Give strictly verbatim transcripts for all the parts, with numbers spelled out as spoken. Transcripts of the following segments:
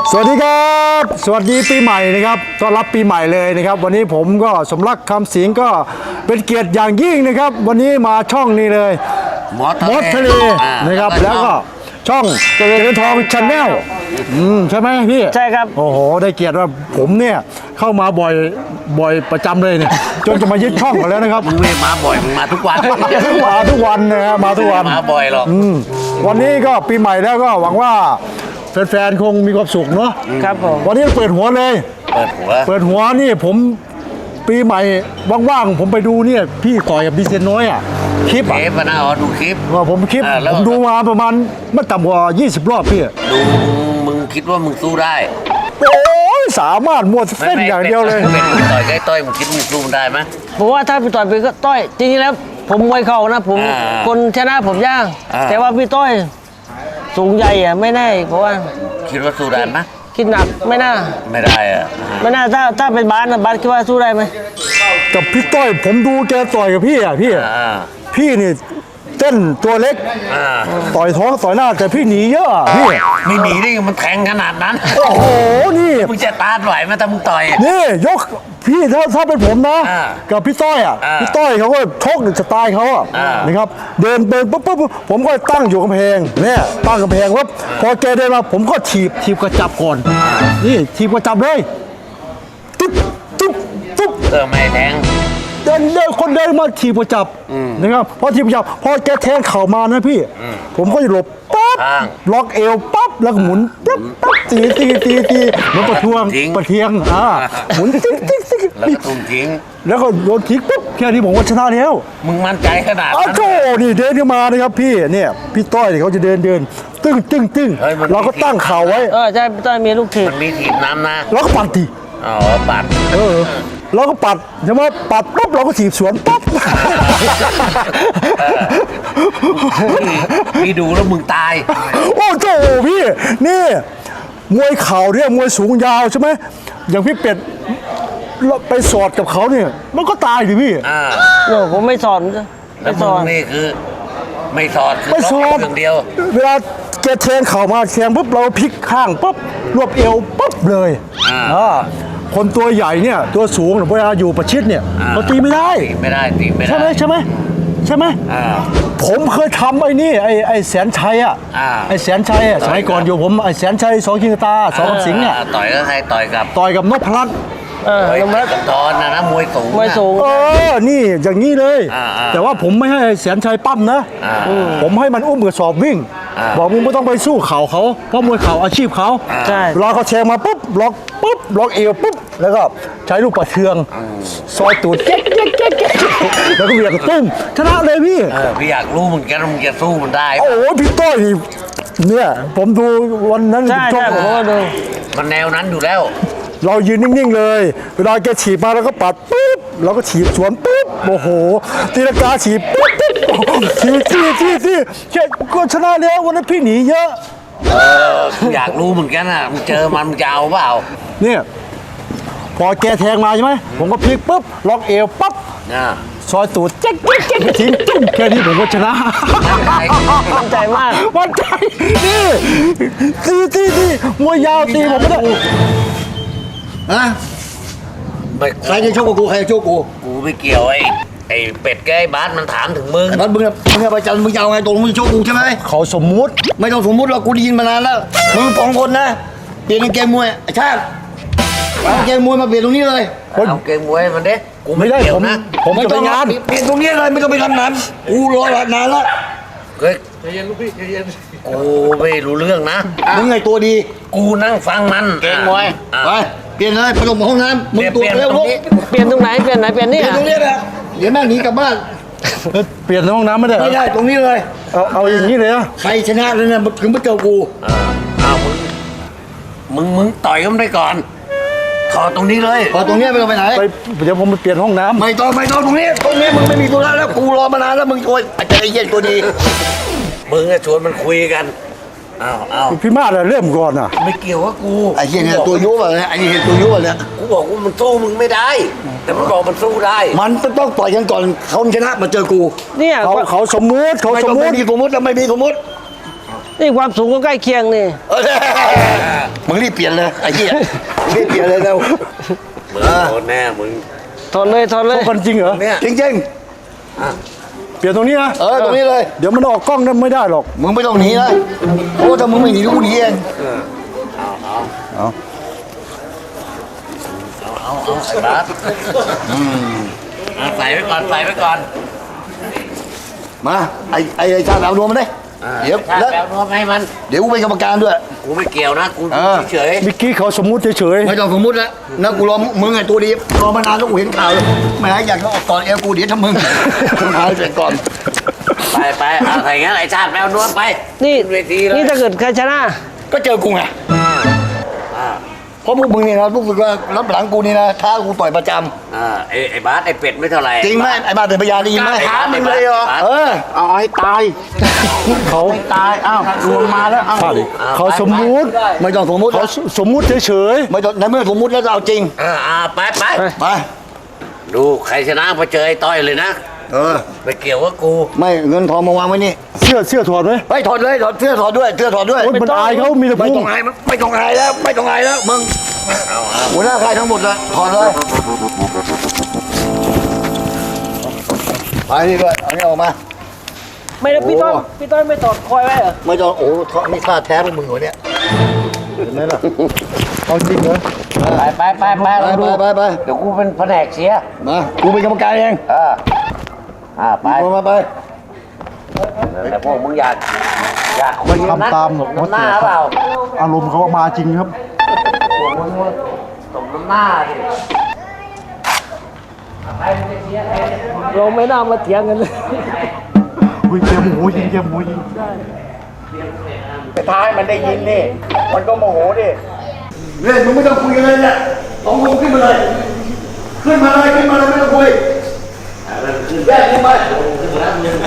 สวัสดีครับสวัสดีปีใหม่นะครับต้อนรับปีใหม่เลยนะครับวันนี้ผมก็สมรักคำสิงก็เป็นเกียรติอย่างยิ่งนะครับวันนี้มาช่องนี้เลยมอสทะเลนะครับแล้วก็ช่องเจริญทองชาแนลอืมใช่ไหมพี่ใช่ครับโอ้โหได้เกียรติว่าผมเนี่ยเข้ามาบ่อยบ่อยประจำเลยเนี่ยจนจะมายึดช่องกันแล้วนะครับมึงไม่มาบ่อยมึงมาทุกวันมาทุกวันนะฮะมาทุกวันมาบ่อยหรอกวันนี้ก็ปีใหม่แล้วก็หวังว่าแฟนๆคงมีความสุขเนาะครับผมวันนี้เปิดหัวเลยเปิดหัวเปิดหัวนี่ผมปีใหม่ว่างๆผมไปดูเนี่ยพี่ต่อยกับดีเซนน้อยอ่ะคลิปอ่ะคลิปนะอ๋อดูคลิปว่าผมคลิปผมดูมาประมาณไม่ต่ำกว่ายี่สิบรอบพี่ดูมึงคิดว่ามึงสู้ได้โอ้ยสามารถมวดเส้นอย่างเดียวเลยเป็นต่อยใกล้ต้อยมึงคิดมึงสู้ได้ไหมผมว่าถ้าพี่ต่อยไปก็ต้อยจริงๆแล้วผมมวยเข่านะผมคนชนะผมยากแต่ว่าพี่ต้อยสูงใหญ่อะไม่แน่เพราะว่าคิดว่าสู้ได้ไหมคิดหนักไม่น่าไม่ได้อะไม่น่าถ้าถ้าเป็นบาสนะบาสคิดว่าสู้ได้ไหมกับพี่ต้อยผมดูแกต่อยกับพี่อ่ะพี่พี่นี่เต้นตัวเล็กต่อยท้องต่อยหน้าแต่พี่หนีเยอะพี่ไม่หนีได้มันแทงขนาดนั้นโอ้โหนี่มึงจะต้านไหวไหมถ้ามึงต่อยนี่ยกพี่ถ้าถ้าเป็นผมนะกับพี่ต้อยอ่ะพี่ต้อยเขาก็ชกสไตล์เขาอ่ะนะครับเดินเดินปุ๊บปุ๊บผมก็ตั้งอยู่กำแพงเนี่ยตั้งกำแพงว่าพอแกเดินมาผมก็ถีบถีบกระจับก่อนนี่ถีบกระจับเลยตุ๊บตุ๊บตุ๊บเออไม่แทงเดินเดินคนเดินมาถีบกระจับนะครับพอถีบกระจับพอแกแทงเข่ามานะพี่ผมก็จะหลบปั๊บล็อกเอวปั๊บแล้วก็หมุนปั๊บปั๊บตีตีตีตีแล้วประท้วงประเทียงอ่าหมุนติ๊กติ๊กติ๊กแล้วก็ตุ้มทิ้งแล้วก็โดนทิ้งปุ๊บแค่นี้ผมก็ชนะแล้วมึงมั่นใจขนาดอ้าวโจนี่เดินขึ้นมานะครับพี่เนี่ยพี่ต้อยเขาจะเดินเดินตึ้งตึ้งตึ้งเราก็ตั้งเข่าไว้เออใช่พี่ต้อยมีลูกถีบมันมีถีบน้ำนะแล้วก็ปัดทีอ๋อปัดเออเราก็ปัดใช่ไหมปัดปุ๊บเราก็ถีบสวนปุ๊บพี่ดูแล้วมึงตายโอ้โจพี่นี่มวยเข่าเนี่ยมวยสูงยาวใช่ไหมอย่างพี่เป็ดไปสอดกับเขาเนี่ยมันก็ตายดิพี่อ่าโอ้ผมไม่สอนไม่สอนนี่คือไม่สอดไม่สอดอย่างเดียวเวลาแกแทงเข่ามาแทงปุ๊บเราพลิกข้างปุ๊บรวบเอวปุ๊บเลยอ่าคนตัวใหญ่เนี่ยตัวสูงเวลาอยู่ประชิดเนี่ยเขาตีไม่ได้ไม่ได้ตีไม่ได้ใช่ไหมใช่ไหมใช่ไหมผมเคยทำไอ้นี่ไอ้ไอ้แสนชัยอ่ะไอ้แสนชัยอ่ะสมัยก่อนอยู่ผมไอ้แสนชัยสองคิงตาสองสิงห์อ่ะต่อยก็ใครต่อยกับต่อยกับนพรัตน์เออนพรัตน์ตอนนะนะมวยสูงมวยสูงเออนี่อย่างนี้เลยแต่ว่าผมไม่ให้แสนชัยปั้มนะผมให้มันอุ้มกระสอบวิ่งบอกมึงไม่ต้องไปสู้เข่าเขาเพราะมวยเข่าอาชีพเขาใช่รอเขาแชงมาปุ๊บล็อกปุ๊บล็อกเอวปุ๊บแล้วก็ใช้ลูกประเทืองซอยตูดเก๊กเก๊กเก๊กแล้วก็เหวี่ยงตุ้มชนะเลยพี่พี่อยากรู้มึงแกมึงจะสู้มันได้โอ้โหพี่ต้อยเนี่ยผมดูวันนั้นใช่ใช่ผมก็ดูมันแนวนั้นอยู่แล้วเรายืนนิ่งๆเลยเวลาแกฉีบมาแล้วก็ปัดปุ๊บเราก็ฉีบสวนปุ๊บโอ้โหตีลังกาฉีบปุ๊บปุ๊บฉีบที่ที่ที่แค่ก็ชนะแล้ววันนั้นพี่หนีเยอะเอออยากรู้เหมือนกันอ่ะมึงเจอมันมึงจะเอาเปล่าเนี่ยพอแกแทงมาใช่ไหมผมก็พลิกปุ๊บล็อกเอวปั๊บซอยตูดเจ๊กเจ๊กเจ๊กทิ้งตุ้มแค่นี้ผมก็ชนะมั่นใจมากมั่นใจนี่ตีตีตีมวยยาวตีผมไม่ได้ฮะใครจะโชคกับกูใครจะโชคกูกูไม่เกี่ยวไอ้ไอ้เป็ดแกไอ้บาสมันถามถึงมึงไอ้บาสมึงมึงไปจันมึงจะเอาไงตรงมึงโชคกูใช่ไหมเขาสมมุติไม่ต้องสมมุติหรอกกูได้ยินมานานแล้วมึงสองคนนะเปลี่ยนเกมมวยไอ้ชาติเอาเกมมวยมาเปลี่ยนตรงนี้เลยเอาเกมมวยมันเด้กูไม่ได้ผมผมไม่ต้องงานเปลี่ยนตรงนี้เลยไม่ต้องไปทำนั้นกูรอนานแล้วเฮ้ยใจเย็นลูกพี่ใจเย็นกูไม่รู้เรื่องนะมึงไงตัวดีกูนั่งฟังมันเกมมวยไปเปลี่ยนเลยไปลงห้องน้ำมึงตัวเร็วลูกเปลี่ยนตรงไหนเปลี่ยนไหนเปลี่ยนนี่ตรงนี้แหละเดี๋ยวแม่หนีกลับบ้านเปลี่ยนห้องน้ำไม่ได้ไม่ได้ตรงนี้เลยเอาเอาอย่างนี้เลยนะใครชนะแล้วเนี่ยถึงมาเจอกูอ้าวมึงมึงมึงต่อยกันได้ก่อนถอดตรงนี้เลยพอตรงนี้ไม่ต้องไปไหนไปเดี๋ยวผมไปเปลี่ยนห้องน้ำไม่ต้องไม่ต้องตรงนี้ตรงนี้มึงไม่มีตัวแล้วกูรอมานานแล้วมึงโวยอาจจะไอ้เย็นตัวดีมึงจะชวนมันคุยกันอ้าวอ้าวพี่มาดเริ่มก่อนอ่ะไม่เกี่ยวกับกูไอ้เหี้ยเนี่ยตัวยุบอะไรไอ้นี่เห็นตัวยุบอะไรกูบอกว่ามันสู้มึงไม่ได้แต่มันบอกมันสู้ได้มันต้องต่อยกันก่อนเขาชนะมาเจอกูเนี่ยเขาเขาสมมุติเขาสมมุติไม่มีสมมุติแล้วไม่มีสมมุตินี่ความสูงก็ใกล้เคียงนี่เออมึงรีบเปลี่ยนเลยไอ้เหี้ยรีบเปลี่ยนเลยเร็วมึงโดนแน่มึงถอดเลยถอดเลยคนจริงเหรอเนี่ยจริงเปลี่ยนตรงนี้นะๆเออตรงนี้เลยเดี๋ยวมันออกกล้องนั้นไม่ได้หรอกมึงไม่ต้องหนีนะโอ้ถ้ามึงไม่หนีกูหนีเองเอาเอาเอาไอ้บาสอ่ะใส่ไว้ก่อนใส่ไว้ก่อนมาไอ้ไอ้ไอ้ชาติเอารวมมันได้เดี๋ยวถ้าแล้วแปลนวมให้มันเดี๋ยวกูเป็นกรรมการด้วยกูไม่เกี่ยวนะกูเออเฉยเมื่อกี้เขาสมมุติเฉยไม่ต้องสมมติแล้วนะกูรอมึงไอ้ตัวดีรอมานานแล้วกูเห็นข่าวเลยแหม่อยากจะออกก่อนเอลกูเดี๋ยวทำมึงมึงหาเสร็จก่อนๆไปไปเอาใส่งั้นไอ้ชาติแปลนวมไปนี่ขึ้เวทีเลยนี่ถ้าเกิดใครชนะก็เจอกูไงอ่าเพราะพวกมึงเนี่ยนะพวกมึงก็รับหลังกูนี่นะท้ากูต่อยประจอ่าไอ้ไอ้บาสไอ้เป็ดไม่เท่าไหร่ำจริงไหมไอ้บ้าเป็นพยานได้ยินไหมท้ามึงเลยเหรอเออเอาให้ตายๆเขาตาย อ้าวรวมมาแล้ว อ้าวพลาดอีกเขาสมมุติไม่ต้องสมมุติเขาสมมุติเฉยไม่ต้องในเมื่อสมมุติแล้วจะเอาจริงอ่าอ่าไปไปไปดูใครชนะพอเจอไอ้ต้อยเลยนะเออไปเกี่ยวกับกูไม่เงินทองมาวางไว้นี่ๆเสื้อเสื้อถอดไหมไปถอดเลยถอดเสื้อถอดด้วยเสื้อถอดด้วยโอ๊ยมันอายเขามีแต่ไม่พุต้อง งอายมันไม่ต้องอายแล้วไม่ต้องอายแล้วมึงหัวหน้าค่ายทั้งหมดเลยถอดเลยไปนี่ด้วยเอานี่ออกมาไม่ได้พี่ต้อยโอ้พี่ต้อยไม่ถอดคอยไว้เหรอไม่ต้องโอ้โหนี่ท่าแท้พวกมึงเหรอเนี่ยเห็นไหมล่ะเอาจริงเหรอไปไปไปไปไปเราไปดูไปไปเดี๋ยวกูเป็นแผนกเชียร์มากูเป็นกรรมการเองเอออ่าไปมามาไปแต่พวกมึงอยากอยากคนนั้นทำตามสมน้ำหน้าเปล่าอารมณ์เขามาจริงครับสมน้ำหน้าดิเราไม่น่ามาเถียงกันเลยอุ้ยเกมหมูยิงเกมหมูยิงไปท้ายมันได้ยินนี่ มันก็โมโหดิเล่นมึงไม่ต้องคุยกันเลยเนี่ยสองมึงขึ้นมาเลย ขึ้นมาเลยขึ้นมาเลยไม่ต้องคุยแยกขึ้นไป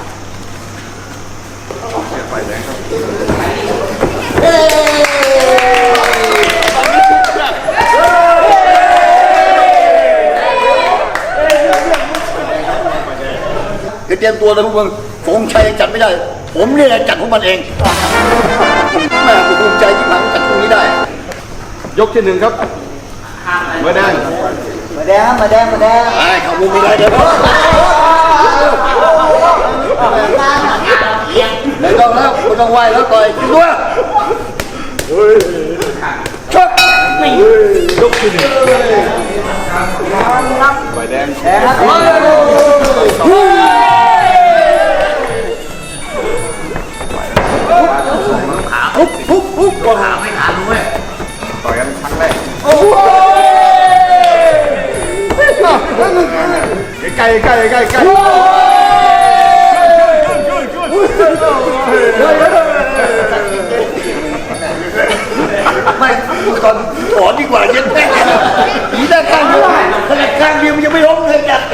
เดี๋ยวเตรียมตัวเลยพวกมึงผมชัยจัดไม่ได้ ผมนี่แหละจัดพวกมันเองแม่กูภูมิใจที่มันจัดพวกนี้ได้ยกที่หนึ่งครับเบอร์แดงมาแดงมาแดงมาแดงไอ้เขามุมมีอะไรเดี๋ยวไม่ต้องแล้วไม่ต้องไหวแล้วต่อยด้วยชกยกที่หนึ่งใบแดงปุ๊บปุ๊บปุ๊บก็หาไม่ทันเว้ยต่อยกันครั้งแรกใกล้ใกล้ใกล้ใกล้ไม่ตอนถอนดีกว่าเย็นแม่ผีด้านข้างเดียวขนาดข้างเดียวมันยังไม่ล้มเลยจัด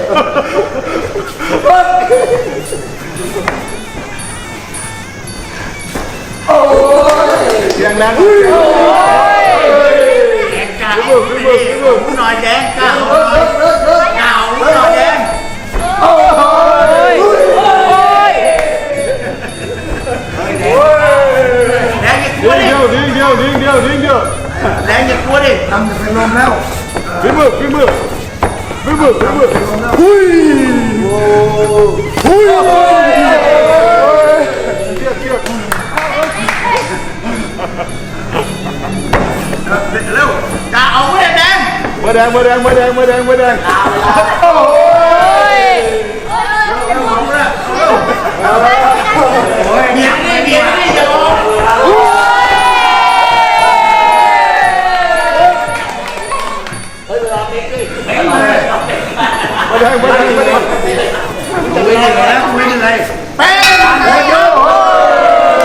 เสียงดังแดงกล้าเอาไปดิหูหน่อยแดงกล้าเอาหน่อยกล้าเอาหน่อยแดงแดงอย่ากลัวดิเดียวดิ้งเดียวดิ้งเดียวดิ้งเดียวแดงอย่ากลัวดิทำจะเป็นลมแล้วฝีมือฝีมือฝีมือฝีมือหุ้ยหุ้ยเร็วกล้าเอาเว้ยแดงเบอร์แดงเบอร์แดงเบอร์แดงเบอร์แดงเบอร์แดงเบียดนี่เบียดนี่อย่าออกเบอร์แดงเบอร์แดงเบอร์แดงไม่เหนื่อยแล้วไม่เหนื่อยเป๊ะเยอะ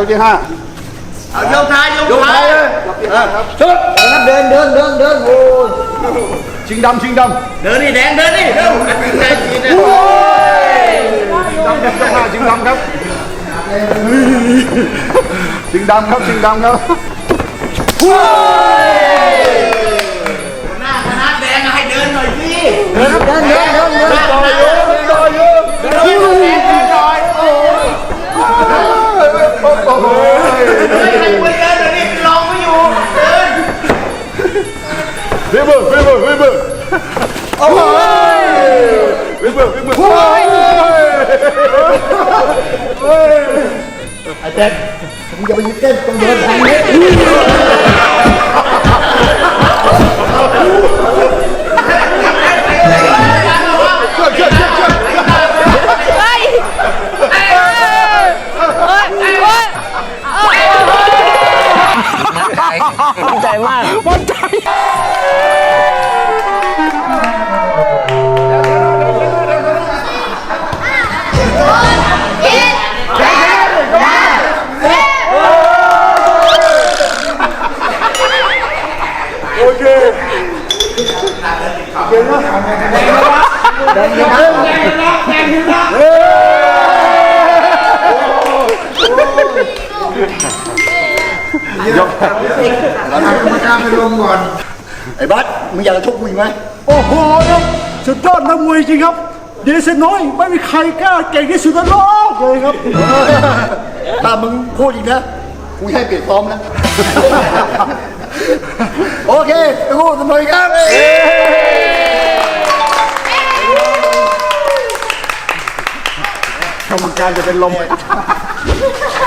ที่ห้าเอายกท้ายยกยกท้าท้าย ยเลยชุดเดินเดินเดินเดินโอ้ยชิงดำชิงดำเดินนี่แดงเดินนี่เร็วแดงสีนะชิงดำครับเจ้าห้าชิงดำครับชิงดำครับชิงดำครับหน้าคณะแดงให้เดินหน่อยสิเดินเดินเดินเดินเดินต่อเยอะต่อเยอะเดินแดงเดินหน่อยโอ้โหโอ้โหใครคุยเดินเดี๋ยวนี้ลองไม่อยู่เดินวิบเบอร์วิบเบอร์วิบเบอร์โอ้ยวิบเบอร์วิบเบอร์โอ้ยไอ้แจ็คมึงอย่าไปยึดเต้นต้องเดินทางนี้มั่นใจมากมันใจโอเคยกเราทำกรรมการไปลงก่อนไอ้บัสมึงอยากจะชกกูอีกไหมโอ้โหครับสุดยอดนักมวยจริงครับเดชน้อยไม่มีใครกล้าเก่งที่สุดในโลกเลยครับถ้ามึงพูดอีกนะกูให้เปลี่ยนซ้อมนะ โอเคทุกคนสมัยครับกรรมการจะเป็นลม